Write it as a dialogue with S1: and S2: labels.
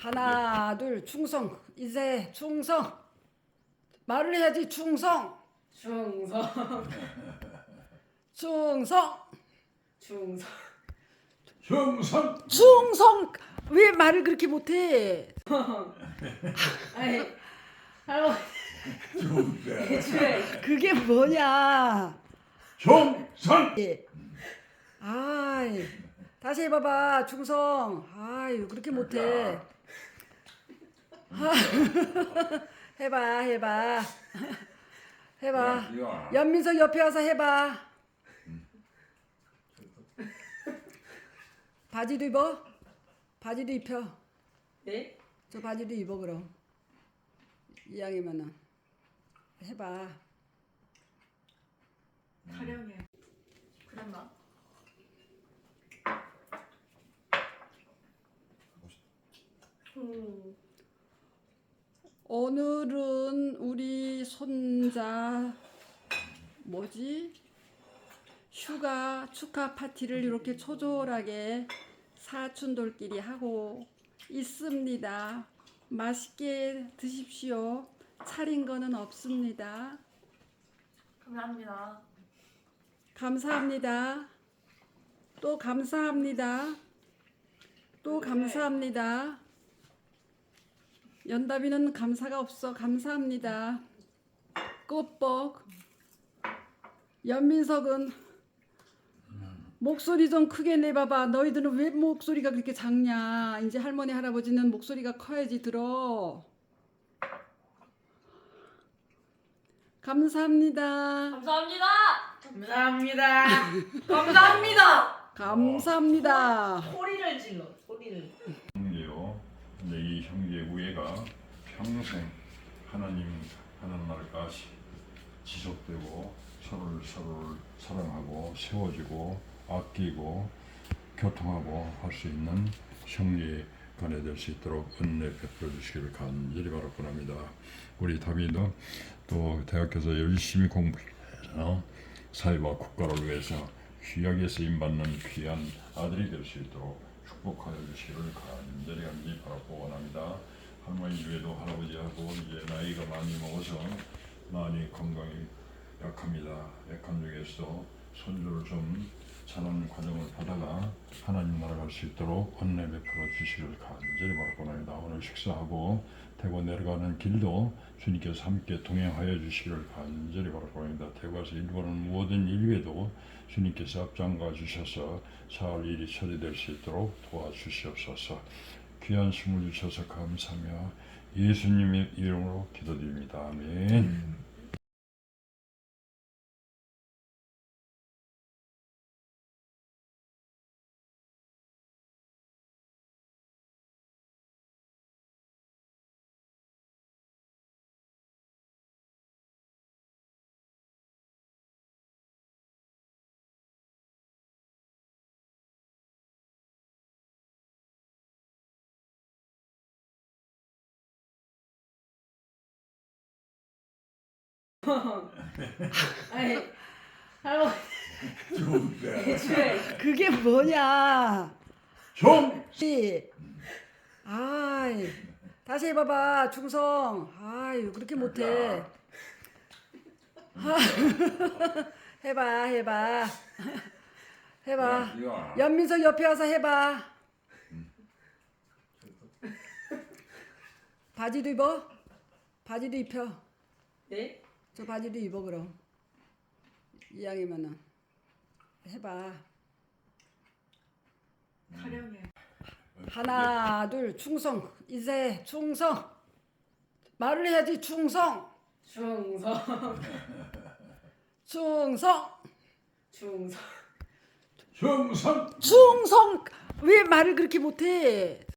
S1: 하나 둘 충성. 이제 충성. 말을 해야지. 충성.
S2: 충성.
S1: 충성.
S2: 충성.
S3: 충성.
S1: 충성. 왜 말을 그렇게 못해?
S2: 아니 할머니
S3: 충성.
S2: 애초에
S1: 그게 뭐냐?
S3: 충성.
S1: 예. 아이, 다시 해봐봐. 충성. 아유, 그렇게 못해. 아, 해봐. 해봐. 연민석 옆에 와서 해봐. 바지도 입어? 바지도 입혀.
S2: 네?
S1: 저 바지도 입어 그럼. 이왕이면은 해봐.
S2: 타령해. 그랬나?
S1: 오늘은 우리 손자 휴가 축하 파티를 이렇게 초조하게 사촌들끼리 하고 있습니다. 맛있게 드십시오. 차린 거는 없습니다.
S2: 감사합니다.
S1: 감사합니다. 또 감사합니다. 또 감사합니다. 연다비는 감사가 없어. 감사합니다. 끝복. 연민석은 목소리 좀 크게 내봐봐. 너희들은 왜 목소리가 그렇게 작냐? 이제 할머니 할아버지는 목소리가 커야지 들어. 감사합니다.
S2: 감사합니다. 감사합니다. 감사합니다.
S1: 감사합니다.
S2: 소리를 질러. 소리를.
S3: 형제요. 근데 이 형제 우애가 평생 하나님 하는 날까지 지속되고 서로를 사랑하고 세워주고 아끼고 교통하고 할 수 있는 형제 간에 될 수 있도록 은혜 베풀어 주시기를 간절히 바라고 합니다. 우리 다비도 또 대학교에서 열심히 공부해서 사회와 국가를 위해서 귀하게 쓰임 받는 귀한 아들이 될 수 있도록 축복하여 주시기를 간절히 바라고 원합니다. 할머니 외에도 할아버지하고 이제 나이가 많이 먹어서 많이 건강이 약합니다. 약한 중에서도 손주를 좀 자라는 과정을 받아가 하나님 나라 갈 수 있도록 은혜 베풀어 주시기를 간절히 바라고 합니다. 오늘 식사하고 대구 내려가는 길도 주님께서 함께 동행하여 주시기를 간절히 바라고 합니다. 대구에서 일본은 모든 일외도 주님께서 앞장가 주셔서 잘 일이 처리될 수 있도록 도와주시옵소서. 귀한 숨을 주셔서 감사하며 예수님의 이름으로 기도드립니다. 아멘.
S2: 아니 할머니
S3: 충성.
S2: 애초에
S1: 그게 뭐냐?
S3: 충성.
S1: 아이, 다시 해봐봐. 충성. 아유, 그렇게 못해. 아, 해봐. 연민석 옆에 와서 해봐. 바지도 입어? 바지도 입혀.
S2: 네?
S1: 저 바지도 입어 그럼. 이왕이면은 해봐.
S2: 타령해.
S1: 하나 둘 충성. 이제 충성. 말을 해야지. 충성.
S2: 충성.
S1: 충성.
S2: 충성.
S3: 충성.
S1: 충성. 왜 말을 그렇게 못해?